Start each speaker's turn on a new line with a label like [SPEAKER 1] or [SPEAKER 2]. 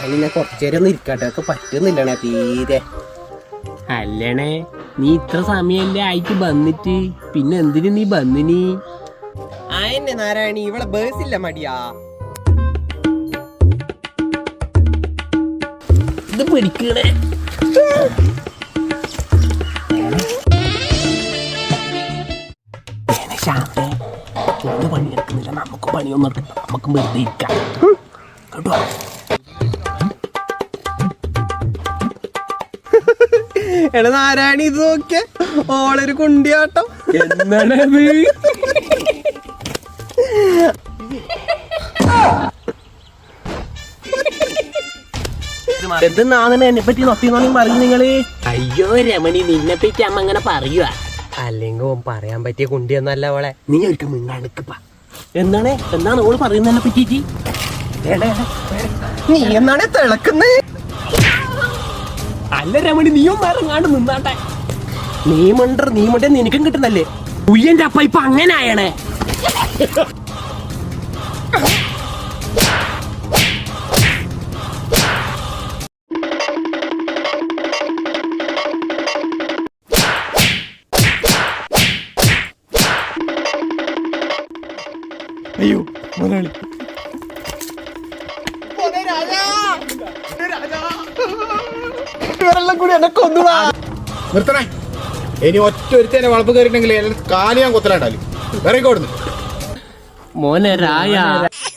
[SPEAKER 1] ഞാൻ കുറച്ചേരം ഒന്ന് ഇരിക്കട്ടെ, ഒക്കെ പറ്റുന്നില്ലണേ തീരെ.
[SPEAKER 2] അല്ലണേ, നീ ഇത്ര സമയല്ലേ ആയിട്ട് വന്നിട്ട് പിന്നെ എന്തിനു നീ വന്നിനി?
[SPEAKER 1] ആയെന്നെ നാരായണി, ഇവിടെ ബേസില്ല മടിയാ.
[SPEAKER 2] ഇത് പിടിക്കണേ. പണിയെടുക്കുന്നില്ല, നമുക്ക് പണിയൊന്നും എടുക്കണ്ട, നമുക്ക് വെറുതെ ഇരിക്കാം കേട്ടോ.
[SPEAKER 1] എടാ നാരായണി, ഇത് നോക്കിയ ഓളൊരു കുണ്ടിയാട്ടം.
[SPEAKER 2] എന്താണത്?
[SPEAKER 1] എന്തെന്നാണ് എന്നെ പറ്റി നൊത്തിന്നാണ് പറയും നിങ്ങള്?
[SPEAKER 2] അയ്യോ രമണി, നിന്നെ പറ്റി അമ്മ അങ്ങനെ പറയുക.
[SPEAKER 1] അല്ലെങ്കിൽ ഓൻ പറയാൻ പറ്റിയ കുണ്ടിയൊന്നല്ല അവളെ.
[SPEAKER 2] നീ ഒരിക്കൽ മിണ്ടാണ്ടിക്കപ്പാ. എന്താണ് ഓള് പറയുന്നതിനെ പറ്റിയിട്ട്?
[SPEAKER 1] നീ എന്നാണ് തിളക്കുന്നേ?
[SPEAKER 2] അല്ല രമണി, നീയും ഇറങ്ങാണ്ട് നിന്നാട്ടെ.
[SPEAKER 1] നീ മണ്ടേ നിനക്കും കിട്ടുന്നല്ലേ?
[SPEAKER 2] ഉയ്യന്റെ അപ്പ ഇപ്പൊ അങ്ങനെ ആയണേ.
[SPEAKER 1] അയ്യോ മുതലാളി, ഇവരെല്ലാം കൂടി എന്നെ കൊന്നുടാ.
[SPEAKER 3] നിർത്തണേ. ഇനി ഒറ്റ ഒരുത്തേനെ വളപ്പ് കയറിയിട്ടുണ്ടെങ്കിൽ കാലി ഞാൻ കൊത്തലാണ്ടാലും വേറെ കൊടുന്നു.
[SPEAKER 2] മോനെ രായ.